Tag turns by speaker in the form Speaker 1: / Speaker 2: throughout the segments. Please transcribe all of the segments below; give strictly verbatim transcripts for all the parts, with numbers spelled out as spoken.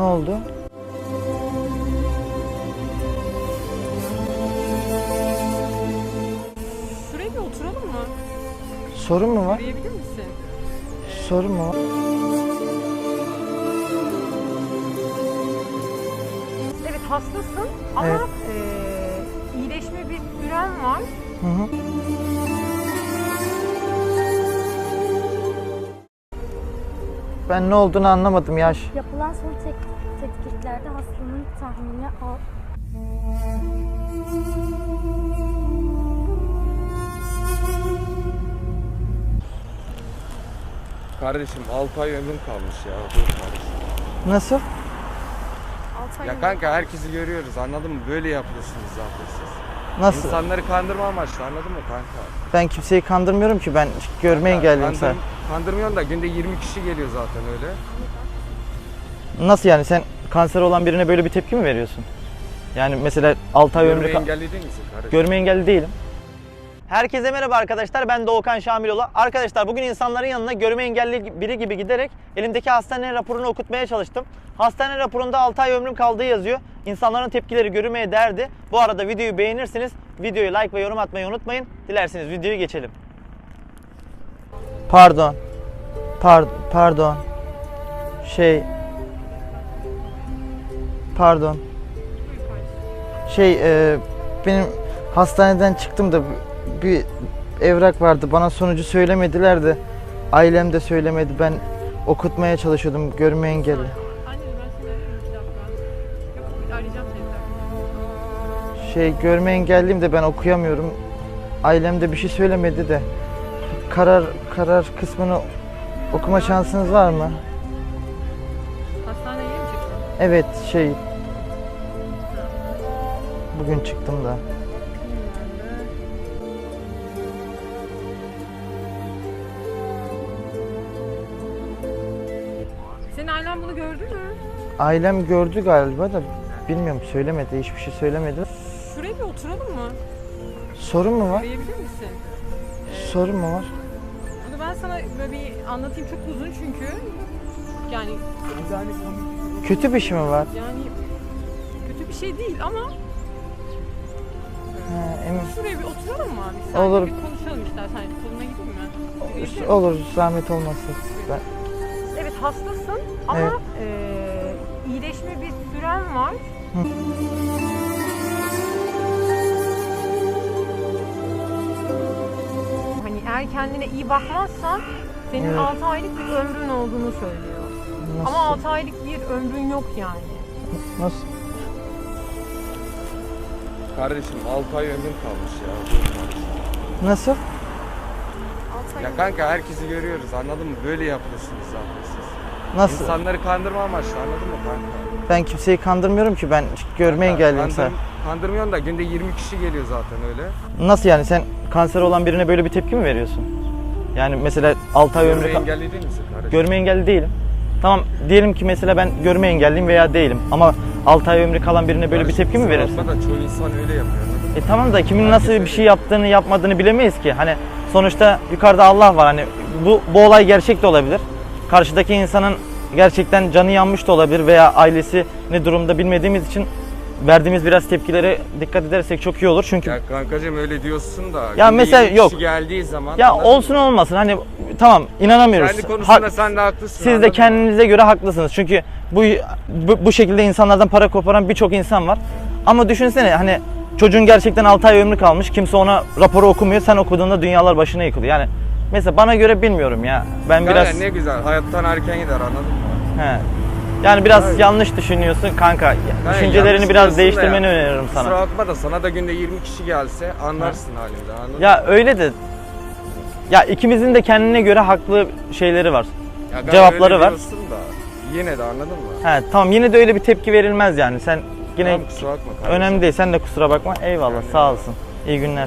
Speaker 1: Ne oldu?
Speaker 2: Şuraya bir oturalım mı?
Speaker 1: Sorun mu var?
Speaker 2: Arayabilir misin?
Speaker 1: Sorun mu var?
Speaker 2: Evet hastasın ama
Speaker 1: Evet.
Speaker 2: eee, iyileşme bir süren var.
Speaker 1: Hı hı. Ben ne olduğunu anlamadım yaş.
Speaker 3: Yapılan son tek tetkiklerde hastanın tahmini al.
Speaker 4: Kardeşim altı ay ömrüm kalmış ya. Dur kardeşim.
Speaker 1: Nasıl?
Speaker 2: altı ay
Speaker 4: Ya kanka herkesi görüyoruz anladın mı? Böyle yapıyorsunuz zaten siz.
Speaker 1: Nasıl?
Speaker 4: İnsanları kandırma amaçlı anladın mı kanka?
Speaker 1: Ben kimseyi kandırmıyorum ki, ben görme
Speaker 4: Kanka,
Speaker 1: engelliyim sen.
Speaker 4: kandır- Kandırmıyorsun da günde yirmi kişi geliyor zaten öyle.
Speaker 1: Nasıl yani, sen kanser olan birine böyle bir tepki mi veriyorsun? Yani mesela altı ay ömrü...
Speaker 4: Görme
Speaker 1: ka-
Speaker 4: engelli değil misin kardeşim?
Speaker 1: Görme engelli değilim. Herkese merhaba arkadaşlar, ben Doğukan Şamiloğlu. Arkadaşlar bugün insanların yanına görme engelli biri gibi giderek elimdeki hastane raporunu okutmaya çalıştım. Hastane raporunda altı ay ömrüm kaldığı yazıyor. İnsanların tepkileri görülmeye değerdi. Bu arada videoyu beğenirsiniz. Videoyu like ve yorum atmayı unutmayın. Dilerseniz videoyu geçelim. Pardon. Par pardon. Şey... Pardon. Şey, e, benim hastaneden çıktım da bir evrak vardı. Bana sonucu söylemediler de ailem de söylemedi. Ben okutmaya çalışıyordum, görme engelli.
Speaker 2: Anne ben seni arıyorum iki dakika. Yok arayacağım seni.
Speaker 1: Şey, görme engelliyim de ben okuyamıyorum. Ailem de bir şey söylemedi de. Karar karar kısmını okuma şansınız var mı?
Speaker 2: Hastaneye mi çıktın?
Speaker 1: Evet, şey, bugün çıktım da.
Speaker 2: Senin ailen bunu gördü mü?
Speaker 1: Ailem gördü galiba da bilmiyorum, söylemedi, hiçbir şey söylemedi.
Speaker 2: Şuraya bir oturalım mı?
Speaker 1: Sorun mu var?
Speaker 2: Arayabilir misin?
Speaker 1: Sorun mu var?
Speaker 2: Bunu ben sana böyle bir anlatayım, çok uzun çünkü. Yani
Speaker 1: Kötü bir şey mi var?
Speaker 2: yani kötü bir şey değil ama
Speaker 1: Ha, emin.
Speaker 2: şuraya bir oturalım mı abi? Sadece
Speaker 1: Olur.
Speaker 2: bir konuşalım istersen. Koluna gideyim mi? Gidebilir miyim?
Speaker 1: Olur, zahmet olmazsa. Ben...
Speaker 2: Evet hastasın ama
Speaker 1: Evet.
Speaker 2: eee, iyileşme bir süren var.
Speaker 1: Hı.
Speaker 2: Hani eğer kendine iyi bakmazsan senin
Speaker 1: Evet.
Speaker 2: altı aylık bir ömrün olduğunu söylüyor.
Speaker 1: Nasıl?
Speaker 2: Ama altı aylık bir ömrün yok yani.
Speaker 1: Nasıl?
Speaker 4: Kardeşim altı ay ömrüm kalmış ya. Dur kardeşim.
Speaker 1: Nasıl?
Speaker 2: altı ay
Speaker 4: Ya kanka herkesi görüyoruz anladın mı? Böyle yapıyorsunuz zaten siz.
Speaker 1: Nasıl?
Speaker 4: İnsanları kandırma amaçlı anladın mı kanka?
Speaker 1: Ben kimseyi kandırmıyorum ki, ben görme
Speaker 4: Kanka,
Speaker 1: engelliyim sen.
Speaker 4: kandır- Kandırmıyorsun da günde yirmi kişi geliyor zaten öyle.
Speaker 1: Nasıl yani, sen kanser olan birine böyle bir tepki mi veriyorsun? Yani mesela altı ay ömrü...
Speaker 4: Görme
Speaker 1: ka-
Speaker 4: engelli değil misin kardeşim?
Speaker 1: Görme engelli değilim. Tamam, diyelim ki mesela ben görme engelliyim veya değilim ama altı ay ömrü kalan birine böyle bir
Speaker 4: Kardeşim,
Speaker 1: tepki mi
Speaker 4: kusura
Speaker 1: verirsin?
Speaker 4: bakma da çoğu insan öyle yapıyor anladın mı?
Speaker 1: E tamam da kimin
Speaker 4: Herkes
Speaker 1: nasıl
Speaker 4: öyle.
Speaker 1: bir şey yaptığını yapmadığını bilemeyiz ki. Hani sonuçta yukarıda Allah var. Hani bu bu olay gerçek de olabilir. Karşıdaki insanın gerçekten canı yanmış da olabilir veya ailesi ne durumda bilmediğimiz için verdiğimiz biraz tepkilere dikkat edersek çok iyi olur. Çünkü
Speaker 4: Ya kankacığım öyle diyorsun da.
Speaker 1: Ya
Speaker 4: günde
Speaker 1: mesela
Speaker 4: yirmi
Speaker 1: yok.
Speaker 4: kişi geldiği zaman.
Speaker 1: ya
Speaker 4: anladın
Speaker 1: olsun
Speaker 4: mı?
Speaker 1: olmasın, hani tamam, inanamıyoruz.
Speaker 4: Kendi konusunda
Speaker 1: Hak-
Speaker 4: sen de haklısın.
Speaker 1: Siz de
Speaker 4: anladın mı?
Speaker 1: kendinize göre haklısınız. Çünkü bu, bu bu şekilde insanlardan para koparan birçok insan var. Ama düşünsene, hani çocuğun gerçekten altı ay ömrü kalmış. Kimse ona raporu okumuyor. Sen okuduğunda dünyalar başına yıkılıyor. Yani mesela bana göre bilmiyorum ya. Ben
Speaker 4: Kanka
Speaker 1: biraz
Speaker 4: ne güzel. Hayattan erken gider anladın mı?
Speaker 1: he. Yani biraz
Speaker 4: Evet.
Speaker 1: yanlış düşünüyorsun kanka.
Speaker 4: Yani
Speaker 1: Düşüncelerini
Speaker 4: yanlış
Speaker 1: biraz
Speaker 4: diyorsun da
Speaker 1: değiştirmeni
Speaker 4: ya.
Speaker 1: öneririm sana.
Speaker 4: Kusura bakma da sana da günde yirmi kişi gelse anlarsın halimden anladın mı?
Speaker 1: Ya öyle de, ya ikimizin de kendine göre haklı şeyleri var.
Speaker 4: Ya kanka
Speaker 1: cevapları
Speaker 4: öyle
Speaker 1: var.
Speaker 4: diyorsun da yine de anladın mı?
Speaker 1: He tamam, yine de öyle bir tepki verilmez yani. Sen yine
Speaker 4: Tamam, kusura bakma kardeşim.
Speaker 1: önemli değil. Sen de kusura bakma. Eyvallah.
Speaker 4: Kendine
Speaker 1: Sağ
Speaker 4: bak.
Speaker 1: olsun. İyi günler.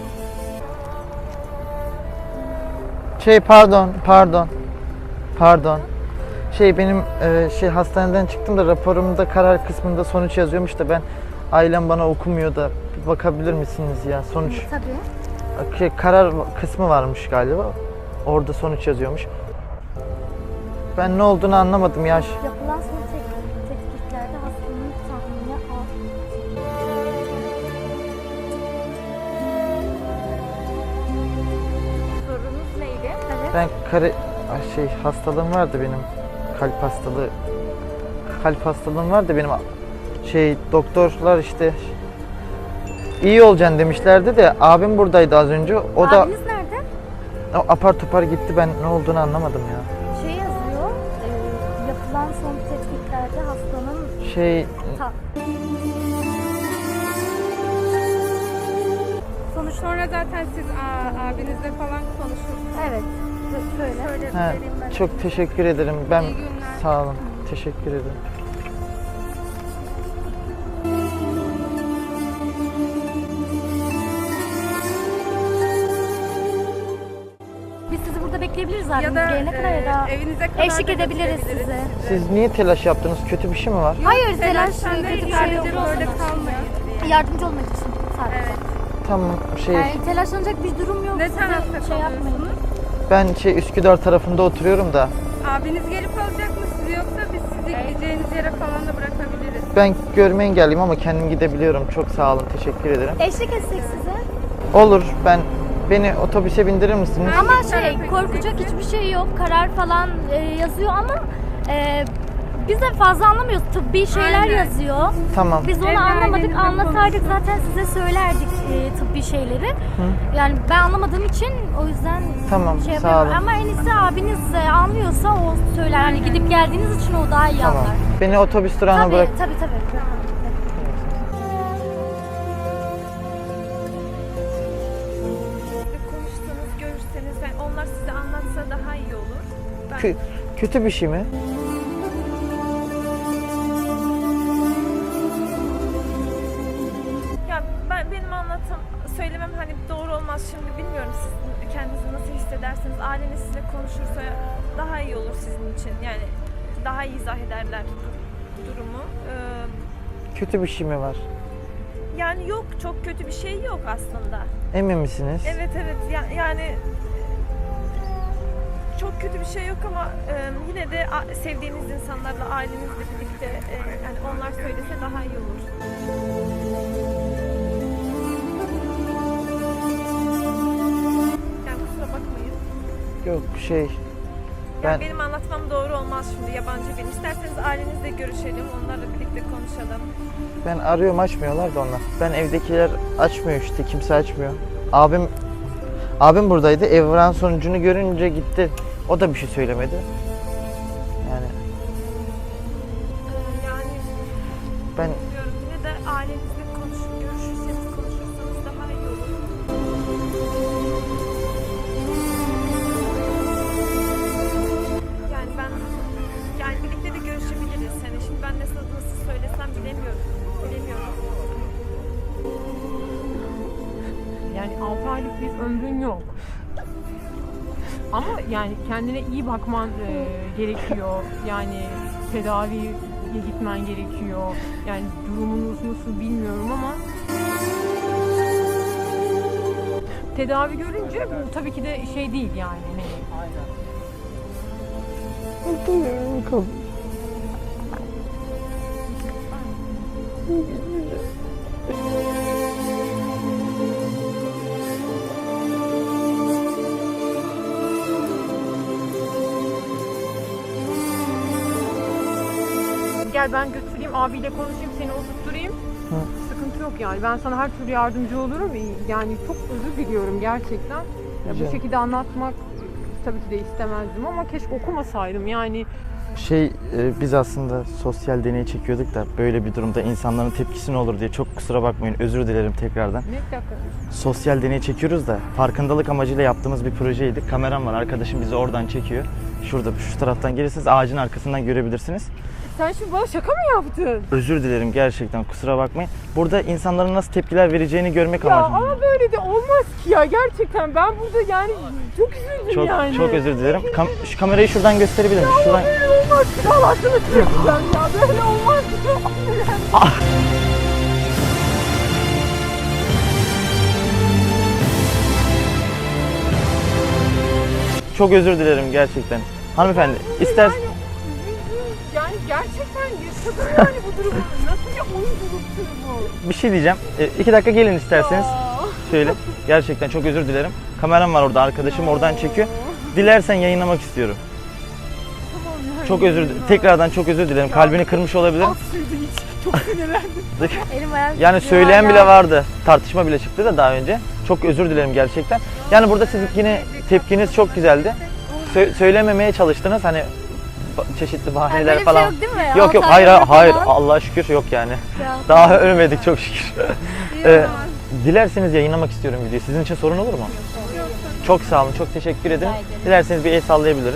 Speaker 1: Şey pardon, pardon. Pardon. Şey benim e, şey hastaneden çıktım da raporumda karar kısmında sonuç yazıyormuş da ben ailem bana okumuyor da bir bakabilir misiniz ya? Sonuç
Speaker 3: Tabii.
Speaker 1: şey, karar kısmı varmış galiba. Orada sonuç yazıyormuş. Ben ne olduğunu anlamadım ya.
Speaker 3: Yapılan son tek
Speaker 1: Ben kare Ay şey hastalığım vardı benim. Kalp hastalığı. Kalp hastalığım vardı benim. Şey doktorlar işte iyi olacaksın demişlerdi de abim buradaydı az önce. O da
Speaker 3: Abiniz nerede?
Speaker 1: o apar topar gitti. Ben ne olduğunu anlamadım ya.
Speaker 3: Şey yazıyor, e, yapılan son tetkiklerde hastanın
Speaker 1: Şey
Speaker 3: ta-
Speaker 2: Sonuç sonra zaten siz a- abinizle falan konuşursunuz.
Speaker 3: evet, sö- söyle. Şöyle
Speaker 1: ha,
Speaker 3: vereyim ben.
Speaker 1: çok teşekkür ederim. Ben
Speaker 2: İyi günler.
Speaker 1: sağ olun. Teşekkür ederim.
Speaker 3: Biz sizi burada bekleyebiliriz
Speaker 2: Ya
Speaker 3: abiniz
Speaker 2: da
Speaker 3: gelene kadar ya da
Speaker 2: e, evinize kadar
Speaker 3: eşlik
Speaker 2: da
Speaker 3: edebiliriz
Speaker 2: götürebiliriz.
Speaker 3: size.
Speaker 1: Siz niye telaş yaptınız? Kötü bir şey mi var?
Speaker 3: Hayır, telaş
Speaker 2: Telaştan
Speaker 3: kötü
Speaker 2: değil,
Speaker 3: bir şey yok.
Speaker 2: sadece böyle kalmayın diye.
Speaker 3: Yardımcı olmak için sadece.
Speaker 2: Evet.
Speaker 1: Tamam şey
Speaker 3: Yani telaşlanacak bir durum yok.
Speaker 2: Ne
Speaker 3: Size
Speaker 2: tarafta
Speaker 3: şey yapmayın.
Speaker 2: kalıyorsunuz?
Speaker 1: ben şey Üsküdar tarafında oturuyorum da
Speaker 2: Abiniz gelip alacak mı sizi, yoksa biz sizi gideceğiniz yere falan da bırakabiliriz.
Speaker 1: ben görme engelliyim ama kendim gidebiliyorum. Çok sağ olun. Teşekkür ederim.
Speaker 3: Eşlik etsek size.
Speaker 1: Olur. Ben beni otobüse bindirir misiniz?
Speaker 2: Hangi
Speaker 3: Ama şey
Speaker 2: tarafa
Speaker 3: korkacak
Speaker 2: gideceksin?
Speaker 3: hiçbir şey yok. Karar falan e, yazıyor ama e, biz de fazla anlamıyoruz. Tıbbi şeyler
Speaker 2: Aynen.
Speaker 3: yazıyor.
Speaker 1: Tamam.
Speaker 3: Biz onu
Speaker 2: Evde
Speaker 3: anlamadık.
Speaker 2: ailenizle
Speaker 3: Anlasaydık
Speaker 2: konuşun.
Speaker 3: zaten size söylerdik e, tıbbi şeyleri. Yani ben anlamadığım için o yüzden
Speaker 1: Tamam,
Speaker 3: şey
Speaker 1: sağ
Speaker 3: yapıyorum.
Speaker 1: olun.
Speaker 3: Ama en iyisi abiniz e, anlıyorsa o söyler. Hani gidip geldiğiniz için o daha iyi
Speaker 1: Tamam.
Speaker 3: anlar.
Speaker 1: Beni otobüs durağına
Speaker 3: Tabii,
Speaker 1: bırak.
Speaker 3: tabii tabii.
Speaker 2: Konuşsanız, görüşseniz, yani onlar size anlatsa daha iyi olur. Ben
Speaker 1: Kö- kötü bir şey mi?
Speaker 5: Ya ben benim anlatım söylemem hani doğru olmaz şimdi, bilmiyorum siz kendinizi nasıl hissedersiniz. Aileniz sizinle konuşursa daha iyi olur sizin için. Yani daha iyi izah ederler durumu. Ee,
Speaker 1: Kötü bir şey mi var?
Speaker 5: yani yok, çok kötü bir şey yok aslında.
Speaker 1: Emin misiniz?
Speaker 5: Evet evet ya- yani çok kötü bir şey yok ama e, yine de a- sevdiğiniz insanlarla, ailenizle birlikte e, yani onlar söylese daha iyi olur. Yani kusura bakmayın.
Speaker 1: Yok şey ben
Speaker 5: Yani benim anlatmam doğru olmaz şimdi, yabancı biri. İsterseniz ailenizle görüşelim, onlarla birlikte konuşalım.
Speaker 1: ben arıyorum açmıyorlar da onlar. Ben evdekiler açmıyor işte. Kimse açmıyor. Abim abim buradaydı. Evran sonucunu görünce gitti. O da bir şey söylemedi. Yani
Speaker 5: Ee, yani
Speaker 1: ben
Speaker 5: bilmiyorum, yine de ailenizle konuşup görüşürseniz, konuşursanız daha iyi olur. Yani ben, yani birlikte de görüşebiliriz. Yani şimdi ben nasıl nasıl söylesem bilemiyorum. Bilemiyorum.
Speaker 2: Yani altı aylık bir ömrün yok. Ama yani kendine iyi bakman e, gerekiyor. Yani tedaviye gitmen gerekiyor. Yani durumunuz nasıl bilmiyorum ama tedavi görünce bu tabii ki de şey değil yani. Hani gel ben götüreyim, abiyle konuşayım, seni oturtturayım.
Speaker 1: Hı.
Speaker 2: Sıkıntı yok yani. Ben sana her türlü yardımcı olurum. Yani çok özür diliyorum gerçekten. Ya
Speaker 1: Rica
Speaker 2: bu şekilde anlatmak tabii ki de istemezdim ama keşke okumasaydım. Yani
Speaker 1: şey e, biz aslında sosyal deney çekiyorduk da böyle bir durumda insanların tepkisi ne olur diye çok kusura bakmayın. Özür dilerim tekrardan.
Speaker 2: ne dakika.
Speaker 1: Sosyal deney çekiyoruz da farkındalık amacıyla yaptığımız bir projeydi. Kameram var. Arkadaşım bizi oradan çekiyor. Şurada şu taraftan gelirseniz ağacın arkasından görebilirsiniz.
Speaker 2: Sen şimdi bana şaka mı yaptın?
Speaker 1: Özür dilerim gerçekten kusura bakmayın. Burada insanların nasıl tepkiler vereceğini görmek
Speaker 2: Ya
Speaker 1: amacım.
Speaker 2: ama böyle de olmaz ki ya, gerçekten ben burada yani çok üzüldüm
Speaker 1: Çok
Speaker 2: yani.
Speaker 1: çok özür dilerim. Kam- şu kamerayı şuradan gösterebilir miyim? Şuradan.
Speaker 2: Böyle olmaz ki, Allah sana çekeceğim ya, böyle olmaz ki.
Speaker 1: Çok özür dilerim gerçekten. Hanımefendi ister
Speaker 2: Yani, yani gerçekten yaşadım yani bu durumu. Nasıl bir oyunculuktur bu?
Speaker 1: bir şey diyeceğim. E, iki dakika gelin isterseniz.
Speaker 2: Ya.
Speaker 1: Söyle. Gerçekten çok özür dilerim. Kameram var orada. Arkadaşım oradan çekiyor. Dilersen yayınlamak istiyorum.
Speaker 2: Tamam yani.
Speaker 1: Çok özür tekrardan çok özür dilerim. Kalbini kırmış olabilirim.
Speaker 2: At sürdü hiç. Çok sinirlendim.
Speaker 3: Elim ayağım
Speaker 1: Yani
Speaker 3: titriyor
Speaker 1: söyleyen
Speaker 3: hala.
Speaker 1: bile vardı. Tartışma bile çıktı da daha önce. Çok özür dilerim gerçekten. Yani burada siz yine tepkiniz çok güzeldi. Sö- söylememeye çalıştınız hani ba- çeşitli
Speaker 3: Yani
Speaker 1: bahaneler
Speaker 3: böyle bir
Speaker 1: falan.
Speaker 3: şey yok değil mi?
Speaker 1: Yok yok
Speaker 3: Altı
Speaker 1: hayır
Speaker 3: ay
Speaker 1: hayır
Speaker 3: falan.
Speaker 1: Allah'a şükür yok yani.
Speaker 3: Ya.
Speaker 1: Daha ölmedik çok şükür.
Speaker 3: İyi
Speaker 1: Ee,
Speaker 3: o zaman.
Speaker 1: Dilerseniz yayınlamak istiyorum videoyu. Sizin için sorun olur mu? Çok sağ olun, çok teşekkür ederim. Dilerseniz bir el sallayabiliriz.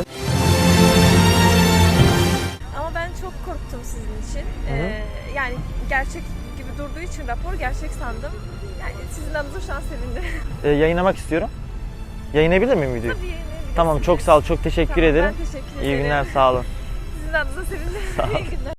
Speaker 5: Ama ben çok korktum sizin için.
Speaker 1: Hı hı.
Speaker 5: Ee, yani gerçek gibi durduğu için rapor gerçek sandım. Yani sizin adınıza şu an sevindim.
Speaker 1: Ee, yayınlamak istiyorum. Yayınlayabilir miyim videoyu?
Speaker 5: Tabii yayınlayabilirsiniz.
Speaker 1: Tamam çok sağ ol, çok teşekkür
Speaker 5: Tamam,
Speaker 1: ederim.
Speaker 5: Ben teşekkür
Speaker 1: İyi
Speaker 5: ederim.
Speaker 1: günler, sağ olun.
Speaker 5: Sizin adınıza sevindim.
Speaker 1: Sağ ol.
Speaker 5: İyi günler.